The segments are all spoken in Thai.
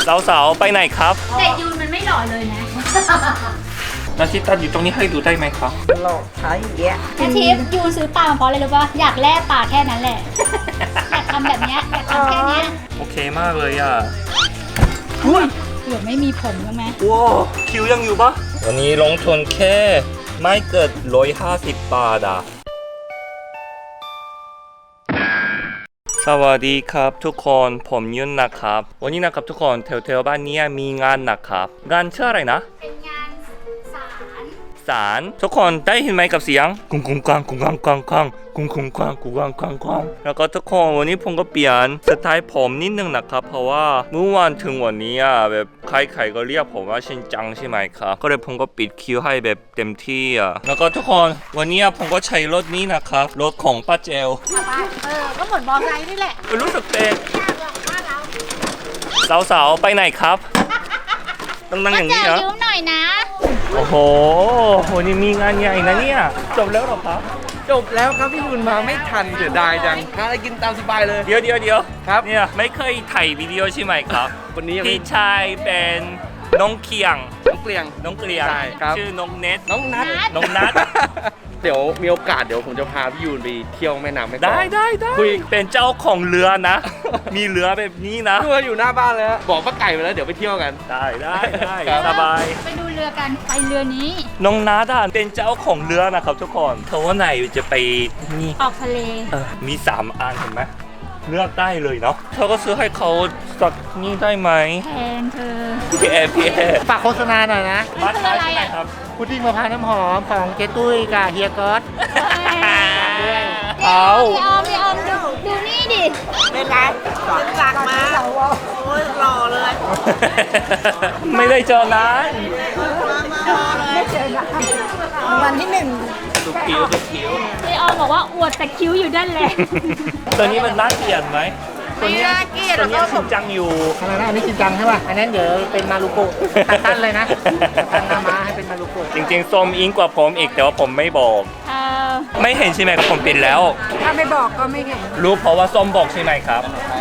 สาวๆไปไหนครับแต่ยูนมันไม่หล่อเลยนะนาทิตันอยู่ตรงนี้ให้ดูได้ไหมครับหลอกใช้แยะอาทิตย์ยูนซื้อปลามาเพราะอะไรรู้ป่ะอยากแล่ปลาแค่นั้นแหละ อยากทำแบบเนี้ยอยากทำแค่เนี้ยโอเคมากเลยอ่ะเกือบไม่มีผมใช่ไหมว้าวคิวยังอยู่ปะวันนี้ลงทุนแค่ไม่เกิด150 บาทอ่ะสวัสดีครับทุกคนผมยุ่นนะครับวันนี้นะครับทุกคนแถวๆบ้านนี้มีงานนะครับงานชื่ออะไรนะเป็นงานศาลศาลทุกคนได้ยินไหมกับเสียงกุ้งกุ้งกังกุ้งกังกังกังกุ้งกุ้งกังกุ้งกังกังกังแล้วก็ทุกคนวันนี้ผมก็เปลี่ยนสไตล์ผมนิดนึงนะครับเพราะว่าเมื่อวานถึงวันนี้อ่ะแบบใครๆก็เรียกผมว่าชินจังใช่ไหมครับก็เลยผมก็ปิดคิวให้แบบเต็มที่อ่ะแล้วก็ทุกคนวันนี้ผมก็ใช้รถนี้นะครับรถของป้าเจลก็เหมือนมอไซค์นี่แหละรู้สึกเป็นสาวๆไปไหนครับต้องนั่งอย่างนี้เหรอยืมหน่อยนะโอ้โหวันนี้มีงานใหญ่นะเนี่ยจบแล้วเหรอครับจบแล้วครับพี่ยุนมาไม่ทันเสียดายจังหาอะไรกินตามสบายเลยเดี๋ยวครับเนี่ยไม่เคยถ่ายวิดีโอใช่ไหมครับวันนี้ยังไม่พี่ชายเป็นน้องเคียงน้องเกลียงน้องเกลียงใช่ครับชื่อน้องเน็ตน้องนัทน้องนัทเดี๋ยวมีโอกาสเดี๋ยวผมจะพาพี่ยูนไปเที่ยวแม่น้ำแม่กลองได้คุยเป็นเจ้าของเรือนะ มีเรือแบบนี้นะเรืออยู่หน้าบ้านแล้วบอกป้าไก่ไปแล้วเดี๋ยวไปเที่ยวกันได้ครับสบายไปดูเรือกัน ไปเรือนี้น้องนัทอะเป็นเจ้าของเรือนะครับทุกคนเขาว่าไหนจะไปนี่ออกทะเลมี3 อันเห็นไหมเลือกได้เลยเนาะเธอก็ซื้อให้เขาสักนี่ได้ไหมแทนเธอพี่แอร์ฝากโฆษณาหน่อยนะมาท้ายที่ไหนครับพุดดิ้งมะพร้าวน้ำหอมของเจ๊ตุ้ยกับเฮียก๊อตเอาพี่ออมดูนี่ดิเป็นไรสั่งมาโอ้ยหล่อเลยไม่ได้เจอนานวันที่หนึ่งดูคิ้วพี่ออมบอกว่าอวดแต่คิ้วอยู่ด้านแหละตัวนี้มันน่าเกลียดไหมตัวนี้น่าเกลียดตัวนี้แล้วก็ชินจังอยู่อะไรนะอันนี้จริงจังใช่ป่ะ อันนั้นเดี๋ยวเป็นมารุโกะตั้นเลยนะตั้นมาให้เป็นมารุโกะจริงๆส้มอิงกว่าผมอีกแต่ว่าผมไม่บอก ไม่เห็นใช่ไหมครับผมปิดแล้วถ้าไม่บอกก็ไม่เห็นรู้เพราะว่าส้มบอกใช่ไหมครับ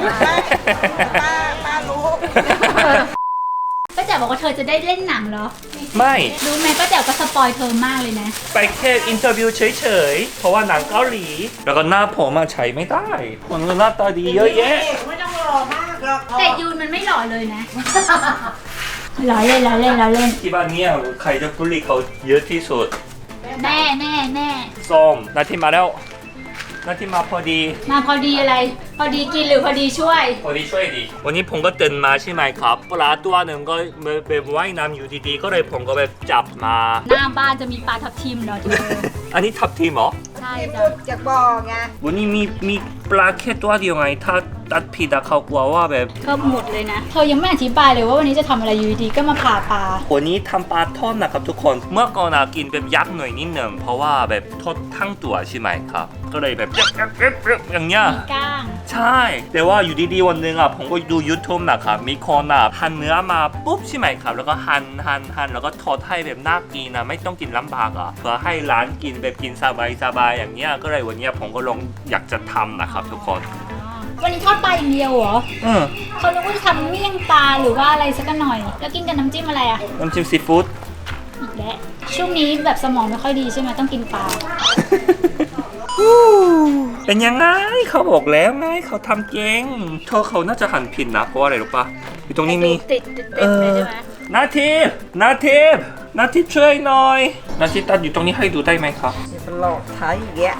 ป้ารู้ป้าแจ๋วบอกว่าเธอจะได้เล่นหนังเหรอไม่รู้ไหมป้าแจ๋วก็สปอยเธอมากเลยนะไปแค่อินเตอร์วิวเฉยๆ เพราะว่าหนังเกาหลี แล้วก็หน้าผมมาใช้ไม่ได้คนก็หน้าตาดีเยอะแยะไม่ต้องหล่อมากหรอกแต่ยูนมันไม่หล่อเลยนะ ล้อเล่นที่บ้านเนี่ยใครจะบุลลี่เขาเยอะที่สุดแน่ส้มนาทีมาแล้วนาทีมาพอดีมาพอดีอะไร พอดีกินหรือพอดีช่วยพอดีช่วยดีวันนี้ผมก็ตื่นมาใช่ไหมครับปลาตัวหนึ่งก็แบบว่ายน้ำอยู่ดีๆก็เลยผมก็แบบจับมาหน้าบ้านจะมีปลาทับทิมเหรอเธออันนี้ทับทีมเหรอใช่ที่จ้ะพูดจากบ่อไงวันนี้มีปลาแค่ตัวเดียวไง ถ้าตัดผิดอะเขากลัวว่าแบบก็หมดเลยนะ เธอยังไม่อธิบายเลยว่าวันนี้จะทำอะไรอยู่ดีๆก็มาผ่าปลาวันนี้ทำปลาทอดนะครับทุกคน เมื่อก่อนอะกินแบบยักษ์หน่อยนิดหนึ่งเพราะว่าแบบทอดทั้งตัวใช่ไหมครับ ก็เลยแบบอย่างเงี้ยมีก้างใช่ แต่ว่าอยู่ดีๆวันหนึ่งอ่ะผมก็ดู YouTube นะครับมีคนอ่ะหั่นเนื้อมาปุ๊บใช่ไหมครับแล้วก็หั่นแล้วก็ทอดให้แบบน่ากินนะไม่ต้องกินลำบากอ่ะเพื่อให้ร้านกินแบบกินสบายๆอย่างเงี้ยก็เลยวันเนี้ยผมก็ลองอยากจะทำนะครับทุกคนวันนี้ทอดปลาอย่างเดียวเหรอ เขานึกว่าจะทำเมี่ยงปลาหรือว่าอะไรสักหน่อย แล้วกินกับน้ำจิ้มอะไรอ่ะน้ำจิ้มซีฟู้ดอีกแล้วช่วงนี้แบบสมองไม่ค่อยดีใช่ไหมต้องกินปลาเป็นยังไงเขาบอกแล้วไงเขาทำเก่งเธอเขาน่าจะหั่นผิดนะเพราะว่าอะไรรู้ปะอยู่ตรงนี้มีติดเลยใช่ไหมนาทีช่วยหน่อยนาทีตัดอยู่ตรงนี้ให้ดูได้ไหมครับมันหลอกใช้แยะ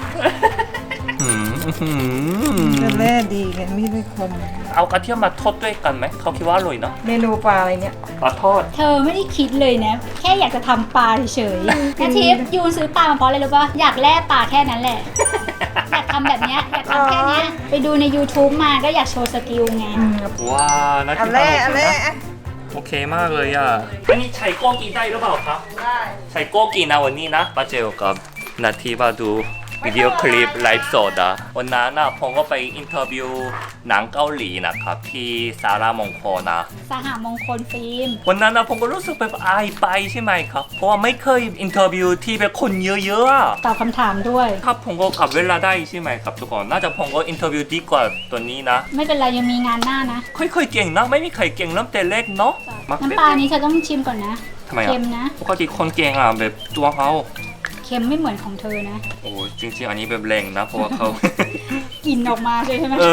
ก็แม่ดีไงมีดไม่คมเอากระเทียมมาทอดด้วยกันไหมเขาคิดว่าอร่อยเนาะเมนูปลาอะไรเนี่ยปลาทอดเธอไม่ได้คิดเลยนะ แค่อยากจะทำปลาเฉยๆนาทิพย์ยูนซื้อปลามาเพราะอะไรรู้ป่ะอยากแล่ปลาแค่นั้นแหละ อยากทำแบบเนี้ยอยากทำแค่เนี้ยไปดูใน YouTube มาก็อยากโชว์สกิลไงว้านาอัทีนแรกอันแรกโอเคมากเลยอ่ะอันนี้ใช้โก้กินได้หรือเปล่าครับได้ใช้โก้กินนะวันนี้นะป้าเจลกับนาทีมาดูวิดีโอคลิปไลฟ์สดอะวันนั้นนะผมก็ไปอินเทอร์วิวหนังเกาหลีนะครับที่สารามงคลนะสหมงคลฟิล์มวันนั้นนะผมก็รู้สึกแบบอายไปใช่ไหมครับเพราะว่าไม่เคยอินเทอร์วิวที่แบบคนเยอะๆอะตอบคำถามด้วยถ้าผมก็กลับเวลาได้ใช่ไหมครับทุกคนน่าจะผมก็อินเทอร์วิวดีกว่าตัวนี้นะไม่เป็นไรยังมีงานหน้านะค่อยๆเก่งนะไม่มีใครเก่งเริ่มแต่เล็กเนาะน้ำปลานี้เธอต้องชิมก่อนนะทำไมเค็อะมนะปกติคนเก่งอะแบบตัวเขาเค็มไม่เหมือนของเธอนะโอ้จริงๆอันนี้แบบแรงนะเพราะว่าเขากลิ่นออกมาใช่ไหม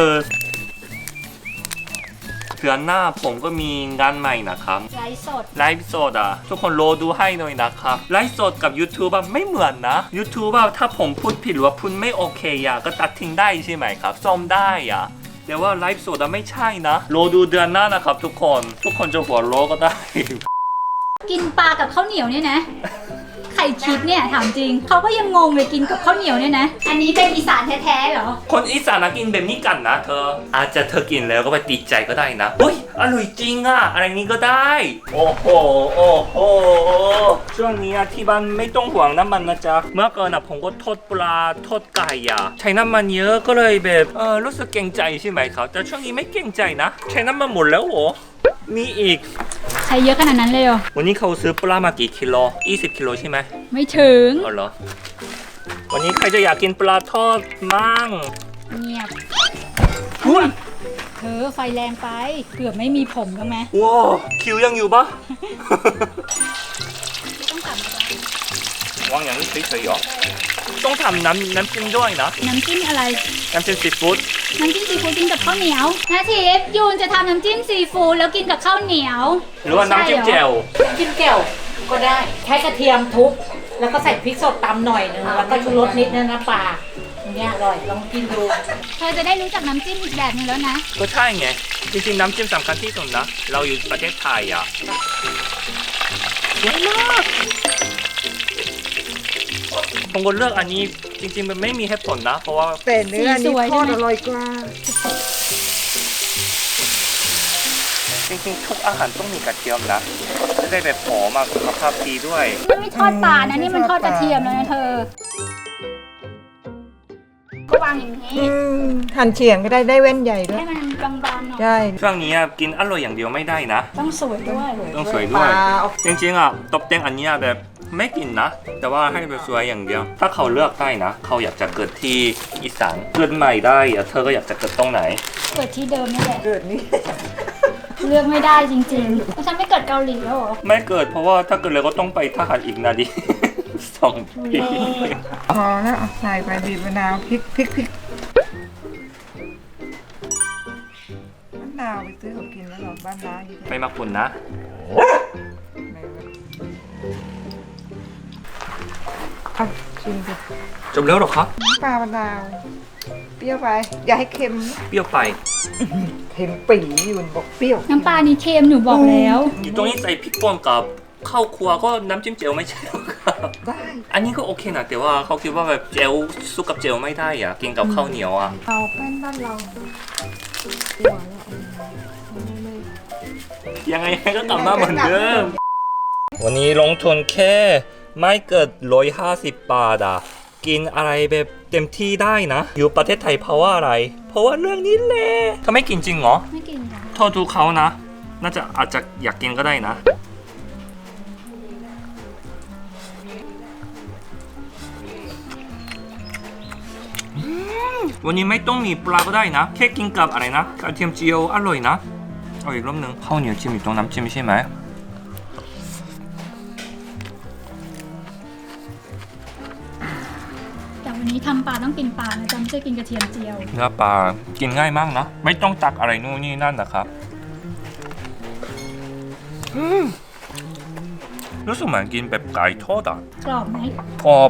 เดือนหน้าผมก็มีงานใหม่นะครับไลฟ์สดไลฟ์สดอ่ะทุกคนรอดูให้หน่อยนะครับไลฟ์สดกับ YouTube อะไม่เหมือนนะ YouTube อะถ้าผมพูดผิดหรือว่าพูดไม่โอเคอะก็ตัดทิ้งได้ใช่ไหมครับซ่อมได้อะแต่ว่าไลฟ์สดอะไม่ใช่นะรอดูเดือนหน้านะครับทุกคนจะหัวโลก็ได้กินปลากับข้าวเหนียวเนี่ยนะ ใครคิดเนี่ยถามจริง เขาก็ยังงงเลยกินกับข้าวเหนียวเนี่ยนะ อันนี้เป็นอีสานแท้ๆเหรอคนอีสานกินแบบนี้กันนะเธออาจจะเธอกินแล้วก็ไปติดใจก็ได้นะเฮ้ยอร่อยจริงอะอะไรนี้ก็ได้ โอ้โหช่วงนี้ที่บ้านไม่ต้องห่วงน้ำมันนะจ๊ะเมื่อก่อนผมก็ทอดปลาทอดไก่อะใช้น้ำมันเยอะก็เลยแบบรู้สึกเกรงใจใช่ไหมครับแต่ช่วงนี้ไม่เกรงใจนะใช้น้ำมันหมดแล้วโหมีอีกใช้เยอะขนาดนั้นเลยเหรอวันนี้เขาซื้อปลามากี่กิโล20 กิโลใช่ไหมไม่ถึงอ๋อเหรอวันนี้ใครจะอยากกินปลาทอดมั่งเงียบอุ้ยเธอไฟแรงไป เกือบไม่มีผมแล้วไหมว้าวคิวยังอยู่ปะต้องตัดมาแล้ววางอย่างนี้เฉยๆเหรอต้องทำน้ำจิ้มด้วยนะน้ำจิ้มอะไรน้ำจิ้มซีฟู้ดน้ำจิ้มซีฟู้ดกินกับข้าวเหนียวนาทิพย์ยูนจะทำน้ำจิ้มซีฟู้ดแล้วกินกับข้าวเหนียวหรือว่าน้ำจิ้มแจ่วจิ้มแจ่วก็ได้ใช้กระเทียมทุบแล้วก็ใส่พริกสดตำหน่อยนึงแล้วก็ชูรสนิดนึงนะปลาอย่างเงี้ยอร่อยลองกินดูเธอจะได้รู้จักน้ำจิ้มอีกแบบนึงแล้วนะก็ใช่ไงจริงๆน้ำจิ้มสำคัญที่สุดนะเราอยู่ประเทศไทยอ่ะเยอะมากผมก็เลือกอันนี้จริงๆมันไม่มีเหตุผลนะเพราะว่าแต่เนื้อสีสนี่วยทอดใช่ไหมอร่อยกว่าจริงๆทุกอาหารต้องมีกระเทียมนะจะได้แบบหอมมากสุขภาพดีด้วยมันไม่ทอดปลานะนี่มันทอดกระเทียมแล้วนะเธอ ก็วางอย่างนี้หั่นเฉียงก็ได้แว่นใหญ่ด้วให้ยมันบางๆหน่อยใช่ช่วงนี้กินอร่อยอย่างเดียวไม่ได้นะต้องสวยด้วยต้องสวยด้วยปลาจริงๆตบแต่งอันเนี้ยแบบไม่กินนะ แต่ว่าให้แบบสวยอย่างเดียว ถ้าเขาเลือกได้นะ เขาอยากจะเกิดที่อีสานเกิดใหม่ได้อะเธอก็อยากจะเกิดตรงไหนเกิดที่เดิมนี่แหละเกิดนี่เลือกไม่ได้จริงๆแล้วฉันไม่เกิดเกาหลีแล้วเหรอไม่เกิดเพราะว่าถ้าเกิดเลยก็ต้องไปทหารอีกนาดี 2 ปีพอแล้วเอาใส่ไปบีบมะนาวพริกมะนาวไปซื้อเขากินแล้วหรอบ้านร้านนี่ไม่มาคุณนะเอาชิมดิจบแล้วหรอครับปลามะนาวเปรี้ยวไปอย่าให้เค็มเปรี้ยวไปเค็มปีอยู่บอกเปรี้ยวน้ำปลานี่เค็มหนูบอกแล้วอยู่ตรงนี้ใส่พริกป่นกับข้าวครัวก็น้ำจิ้มเจลไม่ใช่หรอครับได้อันนี้ก็โอเคนะแต่ว่าเขาคิดว่าแบบเจลสู้กับเจลไม่ได้อะกินกับข้าวเหนียวอะเอาแป้นบ้านเรายังไงก็กลับมาเหมือนเดิม วันนี้ลงทุนแค่ไม่เกิด150 บาทอะกินอะไรแบบเต็มที่ได้นะ อยู่ประเทศไทยเพราะว่าอะไร เพราะว่าเรื่องนี้แหละเธอไม่กินจริงเหรอไม่กินค่ะโทษทุกเขานะ น่าจะอาจจะอยากกินก็ได้นะ วันนี้ไม่ต้องมีปลาก็ได้นะ แค่กินกับอะไรนะกระเทียมเจียวอร่อยนะ เอาอีกรอบหนึ่งข้าวเหนียวจิ้มอยู่ตรงน้ำจิ้มใช่ไหมแต่วันนี้ทำปลาต้องกินปลานะจ๊ะไม่ใช่กินกระเทียมเจียวเนื้อปลากินง่ายมากนะ ไม่ต้องตักอะไรนู่นนี่นั่นนะครับรู้สึกเหมือนกินแบบไก่ทอดอ่ะกรอบไหมกรอบ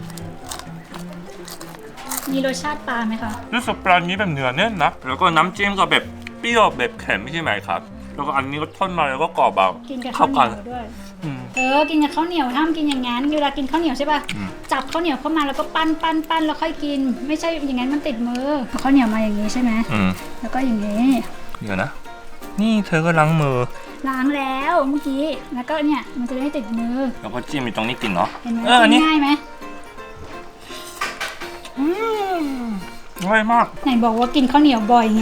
มีรสชาติปลาไหมคะรู้สึกปลานี้แบบเนื้อแน่นนะแล้วก็น้ำจิ้มก็แบบเปรี้ยวแบบเค็มไม่ใช่ไหมครับ แล้วก็อันนี้ก็ทอดมาแล้วก็กรอบแบบกินกับเข้าข้าวเหกันีนยวด้วยอืมกินกับข้าวเหนียวห้ามกินอย่างนั้นเวลากินข้าวเหนียวใช่ป่ะอืมจับข้าวเหนียวเข้ามาแล้วก็ปั้นแล้วค่อยกิน ไม่ใช่อย่างนั้นมันติดมือเอาข้าวเหนียวมาอย่างนี้ใช่ไหมอืมแล้วก็อย่างนี้เดี๋ยวนะ นี่เธอก็ล้างมือล้างแล้วเมื่อกี้แล้วก็เนี่ยมันจะได้ติดมือแล้วก็จิ้มอยู่ตรงนี้กินเนาะเห็นไหมอันกินี้นง่ายไหมร่อยมากไหนบอกว่ากินข้าวเหนียวบ่อยไง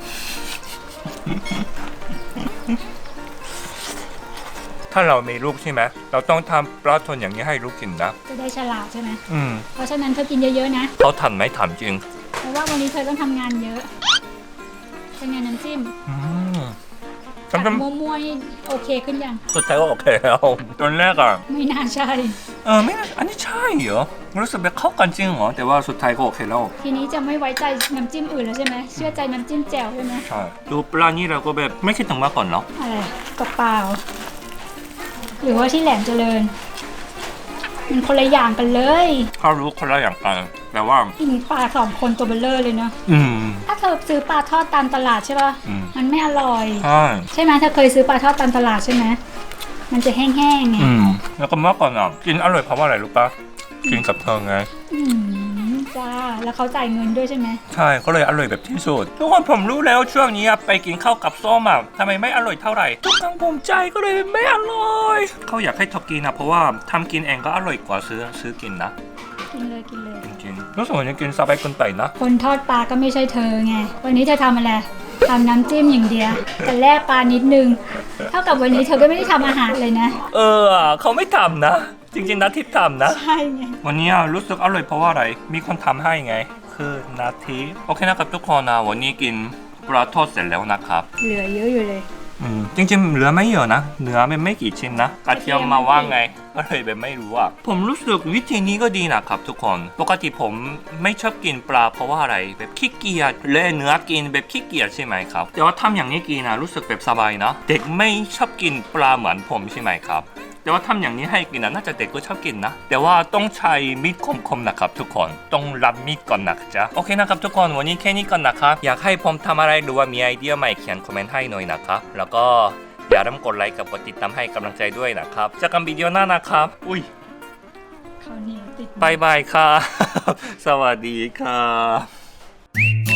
ถ้าเรามีลูกใช่ไหมเราต้องทำปลาทอดอย่างนี้ให้ลูกกินนะจะได้ฉลาดใช่ไหมอืมเพราะฉะนั้นเธอกินเยอะๆนะเขาทันไหมถามจริงเพราะว่าวันนี้เธอต้องทำงานเยอะเป็นไงน้ำจิ้มอืมจากจำมั่วๆนี่โอเคขึ้นยังสุดท้ายก็โอเคแล้วตอนแรกอ่ะไม่น่าใช่ไม่น่าอันนี้ใช่เหรอรู้สึกแบบเข้ากันจริงเหรอแต่ว่าสุดท้ายก็โอเคแล้วทีนี้จะไม่ไว้ใจน้ำจิ้มอื่นแล้วใช่ไหมเชื่อใจน้ำจิ้มแจ่วใช่ไหมใช่ดูปลานี่เราก็แบบไม่คิดถึงมาก่อนเนาะอะไรเปล่าหรือว่าที่แหลมเจริญ มันคนละอย่างกันเลยเขารู้คนละอย่างกันแต่ว่ากินปลา2 คนตัวเบลเลอร์เลยเนาะอืมถ้าเธอซื้อปลาทอดตามตลาดใช่ป่ะอืมมันไม่อร่อยใช่ใช่ไหมเธอเคยซื้อปลาทอดตามตลาดใช่ไหมมันจะแห้งๆไงแล้วก็เมื่อก่อนอ่ะกินอร่อยเพราะว่าอะไรรู้ปะกินกับเธอไงจ้าแล้วเขาจ่ายเงินด้วยใช่ไหมใช่ก็เลยอร่อยแบบที่สุดทุกคนผมรู้แล้วช่วงนี้ไปกินข้าวกับส้มอ่ะทำไมไม่อร่อยเท่าไหร่ทุกครั้งผมใจก็เลยไม่อร่อยเขาอยากให้ทอกินนะเพราะว่าทำกินเองก็อร่อยกว่าซื้อกินนะกินเลยกินเลยจริงๆรู้สึกว่าจะกินสบายเกินไปนะคนทอดปลาก็ไม่ใช่เธอไงวันนี้เธอทำอะไรทำน้ำจิ้มอย่างเดียวแต่แลกปลานิดนึงเท่ากับวันนี้เธอก็ไม่ได้ทำอาหารเลยนะเขาไม่ทำนะ จริงๆนะทิพย์ทำนะใช่ไงวันนี้รู้สึกอร่อยเพราะว่าอะไร มีคนทำให้ไง คือนาทีโอเคนะครับทุกคนนะวันนี้กินปลาทอดเสร็จแล้วนะครับเหลือเยอะอยู่เลยจริงๆเหลือไม่เยอะนะเนื้อมันไม่กี่ชิ้นนะกระเทียมมาว่าไงก็เลยแบบไม่รู้อ่ะผมรู้สึกวิธีนี้ก็ดีนะครับทุกคนปกติผมไม่ชอบกินปลาเพราะว่าอะไรแบบขี้เกียจเละเนื้อกินแบบขี้เกียจใช่ไหมครับแต่ว่าทำอย่างนี้กินนะรู้สึกแบบสบายนะเด็กไม่ชอบกินปลาเหมือนผมใช่ไหมครับแต่ว่าทำอย่างนี้ให้กินนะน่าจะเด็กก็ชอบกินนะแต่ว่าต้องใช้มีดคมๆนะครับทุกคนต้องรับมีดก่อนนะจ๊ะโอเคนะครับทุกคนวันนี้แค่นี้ก่อนนะครับอยากให้ผมทำอะไรหรือว่ามีไอเดียใหม่เขียนคอมเมนต์ให้หน่อยนะครับแล้วก็อย่าลืมกดไลค์กับกดติดตามให้กำลังใจด้วยนะครับเจอกันวิดีโอหน้านะครับอุ้ยข้าวเหนียวติดบายบายครับ สวัสดีครับ